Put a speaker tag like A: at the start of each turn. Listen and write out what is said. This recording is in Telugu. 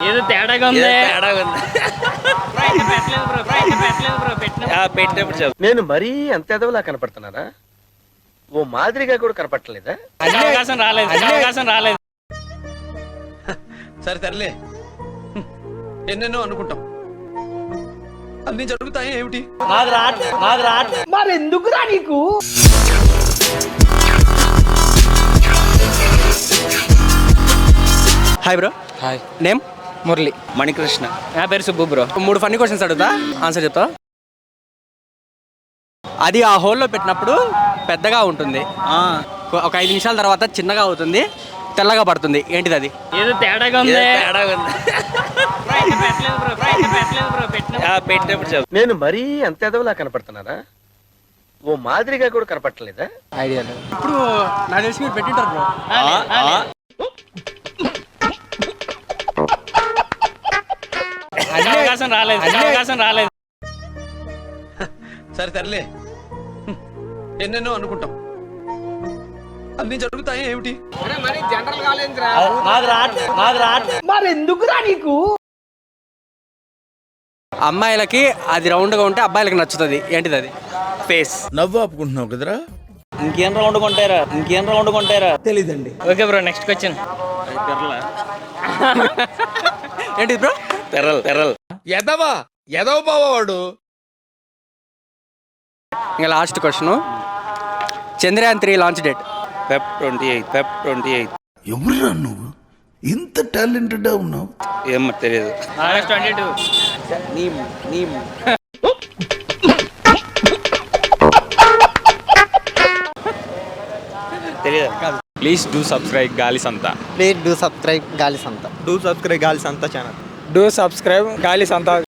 A: ఏదో తేడాగా ఉంది.
B: పెట్టినప్పుడు చెప్పు. నేను మరీ అంత ఎదవలా కనపడుతున్నారా? ఓ మాదిరిగా కూడా కనపడలేదా?
A: అవకాశం రాలేదు.
C: సరే తరలే, ఎన్నెన్నో అనుకుంటాం, అన్ని జరుగుతాయి ఏమిటి?
B: మరి ఎందుకురా నీకు?
D: Hi bro.
E: Hi,
D: name
E: Murali.
D: Manikrishna.
A: నా పేరు సుబ్బు బ్రో.
D: 3 ఫన్నీ క్వశ్చన్స్ అడుగుతా, ఆన్సర్ చెప్తా. అది ఆ హోల్లో పెట్టినప్పుడు పెద్దగా ఉంటుంది, ఒక 5 నిమిషాల తర్వాత చిన్నగా అవుతుంది, తెల్లగా పడుతుంది. ఏంటిది అది?
A: ఏదో తేడాగా ఉంది.
B: పెట్టినప్పుడు చెప్పు. నేను మరీ అంత ఎదవలా కనపడుతున్నారా? ఓ మాదిరిగా కూడా కనపడలేదా?
E: ఐడియా లేదు.
D: ఇప్పుడు నాకు తెలిసి మీరు పెట్టింటారు బ్రో.
A: అవకాశం రాలేదు.
C: సరే తరలే, ఎన్నెన్నో అనుకుంటాం, అన్ని జరుగుతాయి ఏమిటి?
B: మరి ఎందుకురా నీకు?
D: అమ్మాయిలకి అది రౌండ్గా ఉంటే అబ్బాయిలకి నచ్చుతుంది. ఏంటిది అది?
B: ఫేస్.
F: నవ్వు ఆపుకుంటున్నావు కదరా?
B: ఇంకేం రౌండ్ కొంటారా?
F: తెలీదండి.
A: Okay bro, next question.
D: ఏంటిది బ్రో?
B: తెరల్.
F: ఎదవ బావాడు.
D: ఇంకా last question. Chandrayaan 3 launch date?
B: Feb 28.
F: ఎవరురా నువ్వు? ఇంత టాలెంటెడ్ ఉన్నావు?
B: ఏమో తెలియదు.
A: ఆగస్ట్ 22.
B: తెలియదు.
E: ప్లీజ్ డూ సబ్స్క్రైబ్ గాలి సంత.
G: ప్లీజ్ డూ సబ్స్క్రైబ్ గాలి సంత.
E: డూ సబ్స్క్రైబ్ గాలి సంత ఛానల్. డూ సబ్స్క్రైబ్ గాలి సంత.